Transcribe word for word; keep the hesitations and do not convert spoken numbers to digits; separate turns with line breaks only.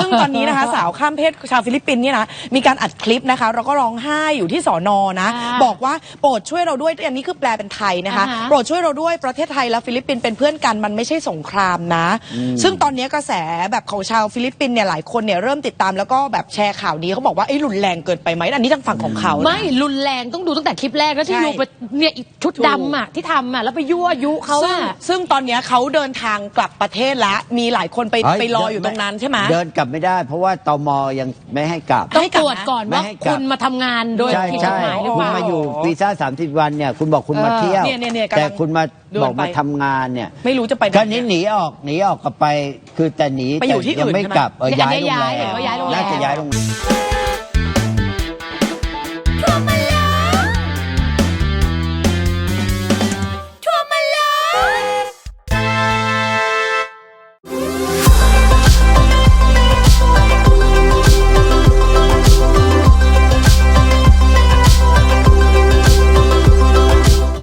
ซึ่งตอนนี้นะคะสาวข้ามเพศชาวฟิลิปปินส์เนี่ยนะมีการอัดคลิปนะคะแล้วก็ร้องไห้อยู่ที่สอนอนะบอกว่าโปรดช่วยเราด้วยอันนี้คือแปลเป็นไทยนะคะโปรดช่วยเราด้วยประเทศไทยและฟิลิปปินส์เป็นเพื่อนกันมันไม่ใช่สงครามนะซึ่งตอนนี้กระแสแบบของชาวฟิลิปปินส์เนี่ยหลายคนเนี่ยเริ่มติดตามแล้วก็แบบแชร์ข่าวนี้เขาบอกว่าไอ้รุนแรงเกินไปไหมอันนี้ทางฝั่งของเขา
ไม่รุนแรงต้องดูตั้งแต่คลิปแรกแล้วที่ยูไปเนี่ยชุดดำอ่ะที่ทำอ่ะแล้วไปยั่วยุเขาอ่ะ
ซึ่งตอนนี้เขาเดินทางกลับประเทศแล้วมีหลายคนไปไปรออยู่ตรงนั้นใช่ไหม
เดินกลับไม่ได้เพราะว่าตมยังไม่ให้กลับ
ต้องตรวจก่อนว่าคุณมาทำงานโดยผิดกฎหมายหรือเปล่า
คุณมาอยู่วีซ่าสามสิบวันเนี่ยคุณบอกคุณมาเที่ยวแต่คุณมาบอกมาทำงานเนี่ย
ไม่รู้จะไป
ก็นี้หนีออกหนีออกกลับไปคือแต่หนี
ไปอยู่ที่อื่น
ยังไม่กลับ
ย้ายโรงแรมน่าจะ
ย้ายโรงแรม